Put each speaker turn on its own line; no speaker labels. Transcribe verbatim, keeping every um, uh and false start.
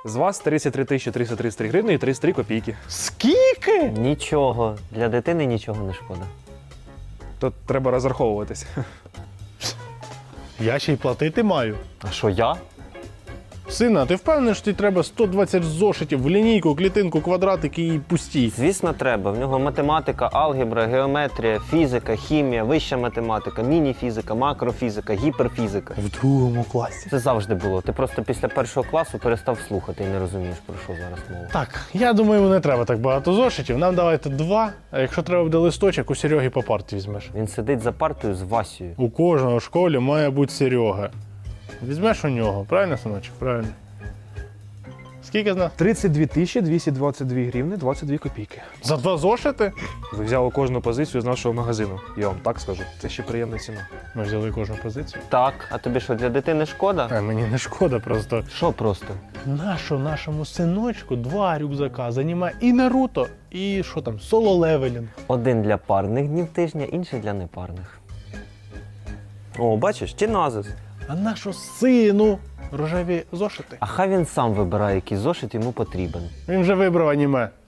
З вас тридцять три тисячі триста тридцять три гривні і тридцять три копійки.
Скільки?
Нічого. Для дитини нічого не шкода.
Тут треба розраховуватись.
Я ще й платити маю.
А що я?
Сина, а ти впевнений, що тобі треба сто двадцять зошитів в лінійку, клітинку, квадратики і пусті?
Звісно, треба. В нього математика, алгебра, геометрія, фізика, хімія, вища математика, міні-фізика, макрофізика, гіперфізика.
В другому класі.
Це завжди було. Ти просто після першого класу перестав слухати і не розумієш, про що зараз мова.
Так, я думаю, не треба так багато зошитів. Нам давайте два, а якщо треба буде листочок, у Сереги по парті візьмеш.
Він сидить за партою з Васею.
У кожного в школі має бути Серега. Візьмеш у нього, правильно, синочок? Правильно. Скільки з нас?
тридцять дві тисячі двісті двадцять дві гривні двадцять дві копійки.
За два зошити?
Ви взяли кожну позицію з нашого магазину. Я вам так скажу. Це ще приємна ціна.
Ми взяли кожну позицію.
Так, а тобі що, для дитини шкода?
А мені не шкода просто.
Що просто?
Нащо нашому синочку два рюкзака займає і Наруто, і що там, соло-левелінг.
Один для парних днів тижня, інший для непарних. О, бачиш, тіназис.
А нащо сину рожеві зошити?
А хай він сам вибирає, який зошит йому потрібен.
Він вже вибрав аніме.